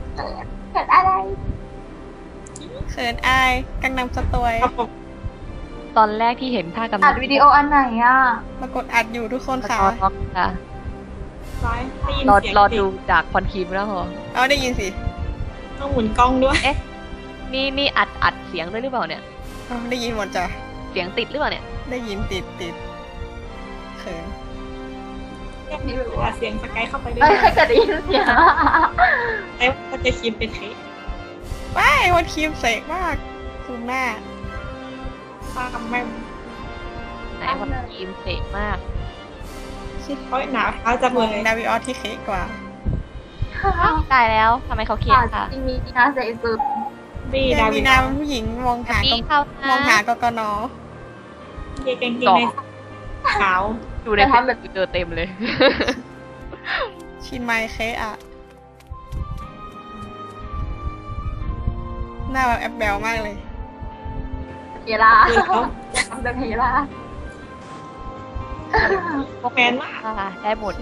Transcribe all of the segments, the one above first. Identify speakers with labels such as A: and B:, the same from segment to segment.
A: เกิดอะไร
B: เขินอายกังนำสตวย
C: ตอนแรกที่เห็นท่ากำ
A: อัดวิดีโออันไหนอ่ะ
B: มากดอัดอยู่ทุกคนค่ะ
C: ค่ะ
D: ร้อยได้ยิน
C: รอ
D: เสียง
C: รอ
D: เด็
C: ดู
D: ก
C: จากคอนคีมแล้วเหรอ
B: เอาได้ยินสิ
D: ต้องหมุนกล้องด้วย
C: นี่อัดเสียงด้วยหรือเปล่าเนี่ย
B: เอาได้ยินหมดจ้ะ
C: เสียงติดหรือเปล่าเนี่ย
B: ได้ยินติดเขิน
D: นี่แบบว่าเสียงสกายเข้าไปด้วย
A: เอ้ยใครจะได้ยินเสียง
D: แต่ว่าจะคิมเป็นเทส
B: ว้ายวันครีมเสกมากซูมหน้า
D: ฟ้ากับแม่
C: ไหนคอนคีมเสกมาก
D: เพราะหนาวเท้าจะ
B: ม
D: เล
B: อง
D: ย
B: ดาวิออสที่เค้กกว่า
C: ตายแล้วทำไมเขาเครียดค่ะ
A: จริงมีนาใส่สุด
D: บี
B: แด
D: ดา
B: ง
D: วิ
B: มี
D: ด
B: นาเป็นผู้หญิงมองหา
C: พี่เข้านะ
B: มองหากกน
D: เกงในขาว
C: ดูในเฟซบุ๊กเจอเต็มเลย
B: ชินไมเค้กอะหน้าแบบแอบแบลมากเลย
A: เฮล่า
D: คือเขา
A: เดินเฮล่า
D: แมนมาก
C: ได้หมด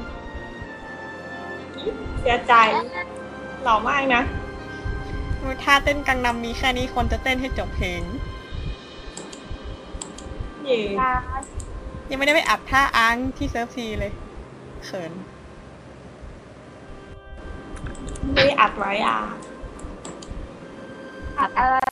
D: เสียใจหล่อมากนะ
B: ท่าเต้นกังนำมีแค่นี้คนจะเต้นให้จบเพลง
D: เย่
B: ยังไม่ได้ไปอัดท่าอ้างที่เซิร์ฟซีเลยเขิน
D: ไม่ได้อัดไว้อ่ะ
A: อะไร